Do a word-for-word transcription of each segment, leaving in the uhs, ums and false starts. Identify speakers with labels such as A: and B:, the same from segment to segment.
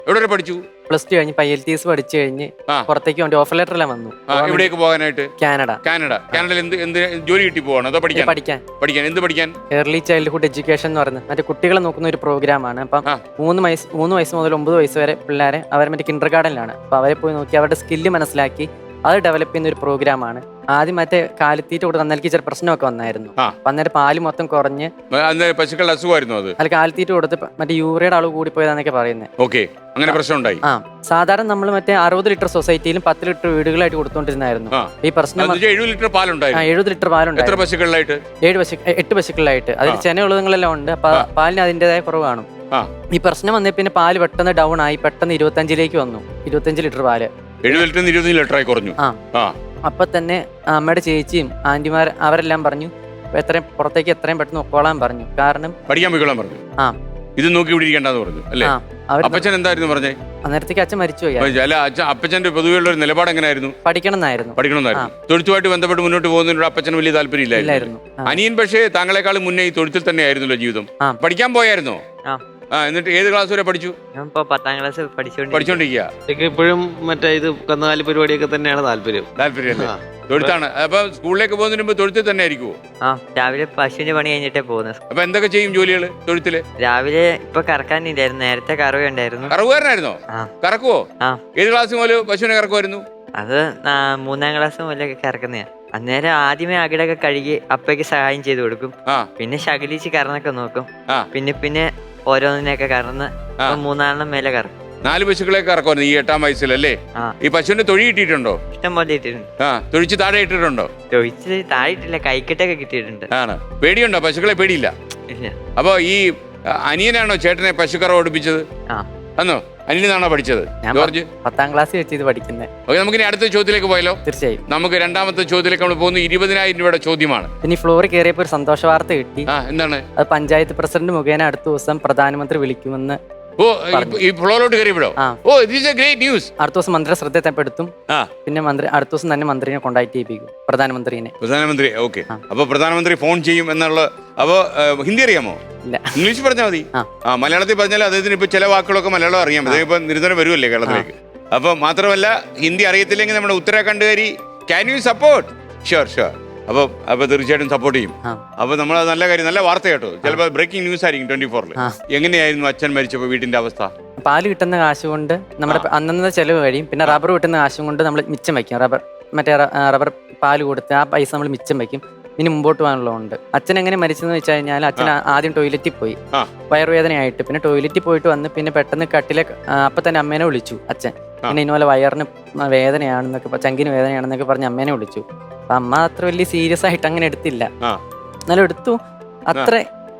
A: എവിടെ വരെ പഠിച്ചു?
B: പ്ലസ് ടു കഴിഞ്ഞ് ഐ എൽ ടി എസ് പഠിച്ചു കഴിഞ്ഞ് പുറത്തേക്ക് വേണ്ടി ഓഫർ ലെറ്റർ എല്ലാം വന്നു.
A: എവിടേക്ക് പോകാനായിട്ട്?
B: കാനഡ.
A: കാനഡ. കാനഡയിൽ എന്ത് എന്ത് ജോലി കിട്ടി പോവാണോ അതോ പഠിക്കാൻ?
B: പഠിക്കാൻ.
A: പഠിക്കാൻ എന്ത് പഠിക്കാൻ?
B: ഏർലി ചൈൽഡ്ഹുഡ് എഡ്യൂക്കേഷൻ എന്ന് പറയുന്നത് മറ്റേ കുട്ടികളെ നോക്കുന്ന ഒരു പ്രോഗ്രാമാണ്. അപ്പം മൂന്ന് വയസ്സ് മൂന്ന് വയസ്സ് മുതൽ ഒമ്പത് വയസ്സ് വരെ പിള്ളേരെ അവർ മറ്റേ കിൻഡർ ഗാർഡനിലാണ്. അപ്പോൾ അവരെ പോയി നോക്കി അവരുടെ സ്കില്ല് മനസ്സിലാക്കി അത് ഡെവലപ്പ് ചെയ്യുന്ന ഒരു പ്രോഗ്രാമാണ്. ആദ്യം മറ്റേ കാലിത്തീറ്റ കൊടുത്ത് അന്നേക്ക് ചില പ്രശ്നമൊക്കെ വന്നായിരുന്നു. അപ്പൊ അന്നേരം പാല് മൊത്തം കുറഞ്ഞ്
A: പശുക്കളുടെ അസുഖമായിരുന്നു അത്.
B: അതിൽ കാലിത്തീറ്റ കൊടുത്ത് മറ്റേ യൂറിയയുടെ അളവ് കൂടി പോയതാന്നൊക്കെ പറയുന്നത്.
A: ഓക്കെ, അങ്ങനെ പ്രശ്നം ഉണ്ടായി.
B: ആ സാധാരണ നമ്മൾ മറ്റേ അറുപത് ലിറ്റർ സൊസൈറ്റിയിലും പത്ത് ലിറ്റർ വീടുകളായിട്ട് കൊടുത്തോണ്ടിരുന്നായിരുന്നു. ഈ പ്രശ്നം
A: എഴുപത് ലിറ്റർ പാലുണ്ടായിരുന്നു.
B: എഴുപത് ലിറ്റർ പാലുണ്ട്.
A: എത്ര പശുക്കളിലായിട്ട്? ഏഴ് പശു
B: എട്ട് പശുക്കളിലായിട്ട്. അതിൽ ചെന ഉള്ളതുങ്ങളെല്ലാം ഉണ്ട്. അപ്പൊ പാലിന് അതിന്റേതായ കുറവ് കാണും. ഈ പ്രശ്നം വന്നേ പിന്നെ പാല് പെട്ടെന്ന് ഡൗൺ ആയി, പെട്ടെന്ന് ഇരുപത്തഞ്ചിലേക്ക് വന്നു. ഇരുപത്തഞ്ച് ലിറ്റർ പാല്
A: എഴുപത് ലിറ്റർ ഇരുപത്തഞ്ച് ലിറ്റർ ആയി കുറഞ്ഞു.
B: ആ അപ്പൊ തന്നെ അമ്മയുടെ ചേച്ചിയും ആന്റിമാർ അവരെല്ലാം പറഞ്ഞു എത്രയും പുറത്തേക്ക് എത്രയും പെട്ടെന്ന് ഒക്കോളാൻ പറഞ്ഞു. കാരണം
A: പഠിക്കാൻ പോയിക്കോളാൻ പറഞ്ഞു.
B: ആ
A: ഇത് നോക്കി ഇവിടെ ഇരിക്കേണ്ടെന്ന് പറഞ്ഞു അല്ലേ? അപ്പച്ചൻ എന്തായിരുന്നു പറഞ്ഞേ?
B: അന്നേരത്തേക്ക് അച്ഛൻ മരിച്ചുപോയി.
A: അല്ല, അപ്പച്ചന്റെ പൊതുവെയുള്ള ഒരു നിലപാട് എങ്ങനെയായിരുന്നു?
B: പഠിക്കണം എന്നായിരുന്നു.
A: പഠിക്കണമെന്നായിരുന്നു. തൊഴുത്തുമായിട്ട് ബന്ധപ്പെട്ട് മുന്നോട്ട് പോകുന്നതിനോട് അപ്പച്ചന് വലിയ താല്പര്യം ഇല്ലായിരുന്നു. അനിയൻ പക്ഷേ താങ്കളെക്കാളും മുന്നേ ഈ തൊഴുത്തിൽ തന്നെ ആയിരുന്നല്ലോ ജീവിതം. പഠിക്കാൻ പോയായിരുന്നോ? ആ എന്നിട്ട് ഏത് ക്ലാസ് വരെ പഠിച്ചു?
C: പത്താം ക്ലാസ്
A: പഠിച്ചോണ്ടിരിക്കുക.
D: ഇപ്പോഴും മറ്റേ ഇത് കന്നുകാലി പരിപാടിയൊക്കെ തന്നെയാണ് താല്പര്യം.
A: താല്പര്യം അല്ലേ? തൊഴുത്താണ്. അപ്പൊ സ്കൂളിലേക്ക് പോകുന്നതിന് മുമ്പ് തൊഴുത്തിൽ തന്നെ ആയിരിക്കുമോ?
C: ആ രാവിലെ പശുവിന്റെ പണി കഴിഞ്ഞിട്ടേ പോകുന്നത്.
A: അപ്പൊ എന്തൊക്കെ ചെയ്യും ജോലികള് തൊഴുത്തില്?
C: രാവിലെ ഇപ്പൊ കറക്കാനില്ലായിരുന്നു, നേരത്തെ കറവ ഉണ്ടായിരുന്നു.
A: കറവുകാരനായിരുന്നോ? കറക്കുവോ?
C: ആ.
A: ഏത് ക്ലാസ് മുതൽ പശുവിനെ കറക്കുമായിരുന്നു?
C: അത് മൂന്നാം ക്ലാസ് മുതലൊക്കെ കറക്കുന്നതാ. അന്നേരം ആദ്യമേ അകിടൊക്കെ കഴുകി അപ്പയ്ക്ക് സഹായം ചെയ്ത് കൊടുക്കും. പിന്നെ ശകലിച്ച് കറന്നൊക്കെ നോക്കും. പിന്നെ പിന്നെ ഓരോന്നിനെയൊക്കെ കറന്ന് മൂന്നാലെണ്ണം മേലെ കറക്കും.
A: നാല് പശുക്കളെ കറക്കുമായിരുന്നു ഈ എട്ടാം വയസ്സിലല്ലേ? ഈ പശുവിന്റെ തൊഴി കിട്ടിയിട്ടുണ്ടോ?
C: ഇഷ്ടം പോലെ ഇട്ടിട്ടുണ്ട്.
A: ആ തൊഴിച്ച് താഴെ ഇട്ടിട്ടുണ്ടോ?
C: തൊഴിച്ച് താഴെ ഇട്ടില്ല, കൈക്കെട്ടൊക്കെ കിട്ടിയിട്ടുണ്ട്.
A: ആണ്. പേടിയുണ്ടോ? പശുക്കളെ പേടിയില്ല. അപ്പൊ ഈ അനിയനാണോ ചേട്ടനെ പശുക്കറ ഓടിപ്പിച്ചത്? അന്നോ അനിയനാണോ പഠിച്ചത്? ജോർജ്
B: പത്താം ക്ലാസ് വെച്ച് ഇത് പഠിക്കുന്നത്.
A: ഓക്കെ, നമുക്ക് ഇനി അടുത്ത ചോദ്യത്തിലേക്ക് പോയാലോ?
B: തീർച്ചയായും.
A: നമുക്ക് രണ്ടാമത്തെ ചോദ്യത്തിലേക്ക് നമ്മൾ പോകുന്നത് ഇരുപതിനായിരം രൂപയുടെ ചോദ്യമാണ്.
B: ഇനി ഫ്ലോറിൽ കയറിയപ്പോൾ ഒരു സന്തോഷ വാർത്ത കിട്ടി.
A: ആ എന്താണ്?
B: അത് പഞ്ചായത്ത് പ്രസിഡന്റ് മുഖേന അടുത്ത ദിവസം പ്രധാനമന്ത്രി വിളിക്കുമെന്ന്.
A: ഓ ഈ ഫ്ലോറിലോട്ട് കയറിയപ്പോഴോ? Oh this a great news.
B: അടുത്ത ദിവസം മന്ത്രി ശ്രദ്ധപ്പെടുത്തും. പിന്നെ മന്ത്രി അടുത്ത ദിവസം തന്നെ മന്ത്രിനെ കോണ്ടാക്ട് ചെയ്യിപ്പിക്കും, പ്രധാനമന്ത്രിനെ.
A: പ്രധാനമന്ത്രി ഓക്കെ. അപ്പൊ പ്രധാനമന്ത്രി ഫോൺ ചെയ്യും എന്നുള്ള. അപ്പൊ ഹിന്ദി അറിയാമോ?
B: ഇല്ല,
A: ഇംഗ്ലീഷ് പറഞ്ഞാൽ മതി. ആ മലയാളത്തിൽ പറഞ്ഞാൽ അദ്ദേഹത്തിന് ഇപ്പൊ ചില വാക്കുകളൊക്കെ മലയാളം അറിയാം. അദ്ദേഹം ഇപ്പൊ നിരന്തരം വരുമല്ലേ കേരളത്തിലേക്ക്. അപ്പൊ മാത്രമല്ല ഹിന്ദി അറിയത്തില്ലെങ്കിൽ നമ്മുടെ ഉത്തരാഖണ്ഡുകാരി can you support? Sure sure. അപ്പൊ അപ്പൊ തീർച്ചയായിട്ടും സപ്പോർട്ട് ചെയ്യും. അപ്പൊ നമ്മൾ നല്ല കാര്യം, നല്ല വാർത്ത കേട്ടോ. ചിലപ്പോൾ ബ്രേക്കിംഗ് ന്യൂസ് ആയിരിക്കും ട്വന്റി ഫോറിൽ. എങ്ങനെയായിരുന്നു അച്ഛൻ മരിച്ചപ്പോ വീട്ടിന്റെ അവസ്ഥ?
B: പാല് കിട്ടുന്ന കാശ് കൊണ്ട് നമ്മുടെ അന്നത്തെ ചെലവ് കഴിയും. പിന്നെ റബ്ബർ കിട്ടുന്ന കാശും കൊണ്ട് നമ്മൾ മിച്ചം വയ്ക്കും. റബ്ബർ മറ്റേ റബ്ബർ പാല് കൊടുത്ത് ആ പൈസ നമ്മൾ മിച്ചം വയ്ക്കും. ഇനി മുമ്പോട്ട് പോകാനുള്ളതുകൊണ്ട്. അച്ഛൻ എങ്ങനെ മരിച്ചെന്ന് വെച്ച് കഴിഞ്ഞാൽ അച്ഛൻ ആദ്യം ടോയ്ലറ്റിൽ പോയി വയറുവേദനയായിട്ട്. പിന്നെ ടോയ്ലറ്റിൽ പോയിട്ട് വന്ന് പിന്നെ പെട്ടെന്ന് കട്ടിലെ അപ്പൊ തന്നെ അമ്മേനെ വിളിച്ചു അച്ഛൻ. പിന്നെ ഇതുപോലെ വയറിന് വേദനയാണെന്നൊക്കെ ചങ്കിന് വേദനയാണെന്നൊക്കെ പറഞ്ഞ് അമ്മേനെ വിളിച്ചു. അപ്പൊ അമ്മ അത്ര വലിയ സീരിയസ് ആയിട്ട് അങ്ങനെ എടുത്തില്ല. എന്നാലും എടുത്തു. അത്ര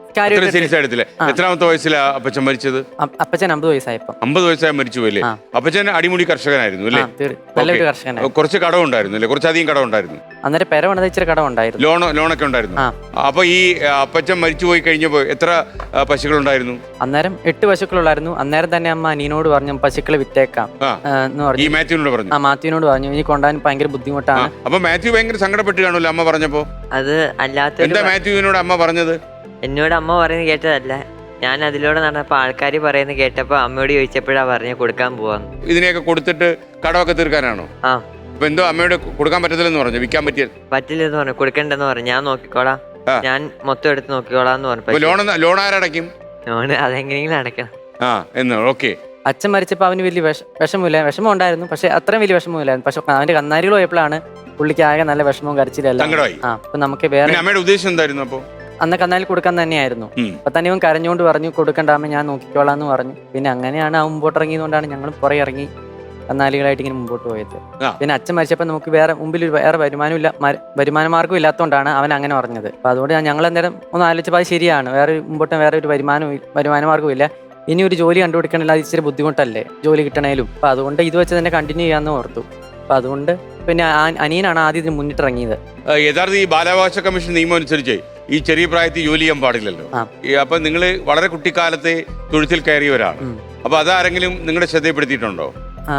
A: എത്രാമത്തെ വയസ്സിലാ അപ്പച്ചൻ മരിച്ചത്?
B: അപ്പച്ചൻ അമ്പത് വയസ്സായപ്പോ.
A: അമ്പത് വയസ്സായി മരിച്ചു അല്ലേ? അപ്പച്ചൻ അടിമുടി കർഷകനായിരുന്നു അല്ലേ?
B: നല്ലൊരു കർഷകനായിരുന്നു.
A: കുറച്ച് കടം ഉണ്ടായിരുന്നു അല്ലേ? കുറച്ചധികം കടം ഉണ്ടായിരുന്നു.
B: അന്നേരം പെര പണിത ഇച്ചിരി കടം ഉണ്ടായിരുന്നു.
A: ലോൺ ലോണൊക്കെ ഉണ്ടായിരുന്നു. അപ്പൊ ഈ അപ്പച്ചൻ മരിച്ചു പോയി കഴിഞ്ഞപ്പോ എത്ര പശുക്കൾ ഉണ്ടായിരുന്നു?
B: അന്നേരം എട്ട് പശുക്കളുണ്ടായിരുന്നു. അന്നേരം തന്നെ അമ്മ അനിയനോട് പറഞ്ഞു പശുക്കളെ വിറ്റേക്കാം എന്ന് പറഞ്ഞു.
A: ഈ മാത്യുവിനോട് പറഞ്ഞു.
B: ആ മാത്യുവിനോട് പറഞ്ഞു ഇനി കൊണ്ടുപോകാൻ ഭയങ്കര ബുദ്ധിമുട്ടാണ്.
A: അപ്പൊ മാത്യു ഭയങ്കര സങ്കടപ്പെട്ട് കാണുമല്ലോ അമ്മ പറഞ്ഞപ്പോ?
C: അത് അല്ലാത്ത
A: എന്താ മാത്യുവിനോട് അമ്മ പറഞ്ഞത്?
C: എന്നോട് അമ്മ പറയുന്നത് കേട്ടതല്ല, ഞാൻ അതിലൂടെ നടന്നപ്പോ ആൾക്കാർ പറയുന്നത് കേട്ടപ്പോ അമ്മയോട് ചോദിച്ചപ്പോഴാ പറഞ്ഞ കൊടുക്കാൻ പോവാന്ന്.
A: ഇതിനെയൊക്കെ കൊടുത്തിട്ട് കടമൊക്കെ തീർക്കാനാണോ?
C: ആ.
A: അപ്പൊ എന്തോ അമ്മയോട് കൊടുക്കാൻ പറ്റത്തില്ലെന്ന് പറഞ്ഞു, വിൽക്കാൻ പറ്റിയ
C: പറ്റില്ലെന്ന് പറഞ്ഞു, കൊടുക്കണ്ടെന്ന് പറഞ്ഞു. ഞാൻ നോക്കിക്കോളാം, ഞാൻ മൊത്തം എടുത്ത് നോക്കിക്കോളാന്ന് പറഞ്ഞു.
A: ലോൺ ലോൺ ആരടയ്ക്കും?
C: ലോണ് അതെങ്ങനെയെങ്കിലും അടയ്ക്കണം.
A: ആ എന്ന് ഓക്കെ.
B: അച്ഛൻ മരിച്ചപ്പോൾ അവന് വലിയ വിഷ വിഷമമില്ല വിഷമം ഉണ്ടായിരുന്നു. പക്ഷെ അത്രയും വലിയ വിഷമമില്ലായിരുന്നു. പക്ഷെ അവന്റെ കന്നാരികൾ പോയപ്പോഴാണ് പുള്ളിക്ക് ആകെ നല്ല വിഷമവും കരച്ചിലല്ല.
A: ആ
B: അപ്പൊ നമുക്ക് വേറെ
A: അമ്മയുടെ ഉദ്ദേശം എന്തായിരുന്നു? അപ്പൊ
B: അന്ന് കന്നാലിൽ കൊടുക്കാൻ തന്നെയായിരുന്നു. അപ്പൊ തന്നെ ഇവൻ കരഞ്ഞുകൊണ്ട് പറഞ്ഞു കൊടുക്കണ്ടാമ ഞാൻ നോക്കിക്കോളാന്ന് പറഞ്ഞു. പിന്നെ അങ്ങനെയാണ് ആ മുമ്പോട്ട് ഇറങ്ങിയതുകൊണ്ടാണ് ഞങ്ങൾ പുറകെ ഇറങ്ങി കന്നാലികളായിട്ട് ഇങ്ങനെ മുമ്പോട്ട് പോയത്. പിന്നെ അച്ഛൻ മരിച്ചപ്പോൾ നമുക്ക് വേറെ മുമ്പിൽ വേറെ വരുമാനം ഇല്ല, വരുമാന മാർഗ്ഗം ഇല്ലാത്തതുകൊണ്ടാണ് അവൻ അങ്ങനെ പറഞ്ഞത്. അപ്പൊ അതുകൊണ്ട് ഞങ്ങൾ അന്നേരം ഒന്ന് ആലോചിച്ചപ്പോൾ അത് ശരിയാണ്. വേറെ മുമ്പോട്ട് വേറെ ഒരു വരുമാനം വരുമാന മാർഗ്ഗവും ഇല്ല. ഇനി ഒരു ജോലി കണ്ടുപിടിക്കണില്ല, അത് ഇച്ചിരി ബുദ്ധിമുട്ടല്ലേ ജോലി കിട്ടണേലും. അപ്പൊ അതുകൊണ്ട് ഇത് വെച്ച് തന്നെ കണ്ടിന്യൂ ചെയ്യാന്ന് ഓർത്തു. അപ്പൊ അതുകൊണ്ട് പിന്നെ അനിയനാണ് ആദ്യം ഇതിന് മുന്നിട്ടിറങ്ങിയത്.
A: യഥാർത്ഥ ഈ ബാലാവകാശ കമ്മീഷൻ നിയമം അനുസരിച്ച് ഈ ചെറിയ പ്രായത്തിൽ ജോലി ചെയ്യാൻ പാടില്ലല്ലോ. അപ്പൊ നിങ്ങൾ വളരെ കുട്ടിക്കാലത്തെ തൊഴുത്തിൽ കയറിയവരാണ്. അപ്പൊ അതാരെങ്കിലും നിങ്ങളുടെ ശ്രദ്ധയപ്പെടുത്തിയിട്ടുണ്ടോ?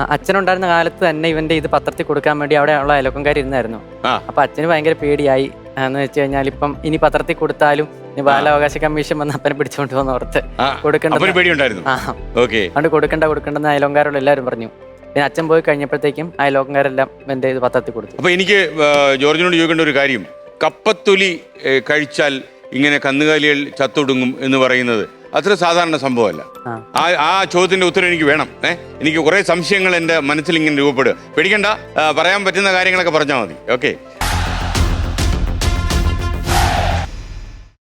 B: അച്ഛനുണ്ടായിരുന്ന കാലത്ത് തന്നെ ഇവന്റെ ഇത് പത്രത്തിൽ കൊടുക്കാൻ വേണ്ടി അവിടെ ഉള്ള അയലോക്കംകാർ ഇരുന്നായിരുന്നു. അപ്പൊ അച്ഛന് ഭയങ്കര പേടിയായി. എന്ന് വെച്ച് കഴിഞ്ഞാൽ ഇപ്പം ഇനി പത്രത്തിൽ കൊടുത്താലും ഇനി ബാലാവകാശ കമ്മീഷൻ വന്ന് അപ്പനെ പിടിച്ചോണ്ട് പോകുന്ന ഓർത്ത് കൊടുക്കണ്ട
A: പേടിയുണ്ടായിരുന്നു.
B: ആ അതുകൊണ്ട് കൊടുക്കണ്ട കൊടുക്കണ്ടെന്ന് അയലോങ്കാരോട് എല്ലാവരും പറഞ്ഞു. പിന്നെ അച്ഛൻ പോയി കഴിഞ്ഞപ്പോഴത്തേക്കും അയലോങ്കാരെല്ലാം എൻ്റെ ഇത് പത്രത്തിൽ കൊടുത്തു.
A: അപ്പൊ എനിക്ക് ജോർജിനോട് ചോദിക്കേണ്ട ഒരു കാര്യം, കപ്പത്തൊലി കഴിച്ചാൽ ഇങ്ങനെ കന്നുകാലികൾ ചത്തൊടുങ്ങും എന്ന് പറയുന്നത് അത്ര സാധാരണ സംഭവമല്ല. ആ ആ ചോദ്യത്തിന്റെ ഉത്തരം എനിക്ക് വേണം. ഏഹ് എനിക്ക് കുറെ സംശയങ്ങൾ എൻ്റെ മനസ്സിൽ ഇങ്ങനെ രൂപപ്പെടുക. പേടിക്കണ്ട, പറയാൻ പറ്റുന്ന കാര്യങ്ങളൊക്കെ പറഞ്ഞാൽ മതി. ഓക്കെ.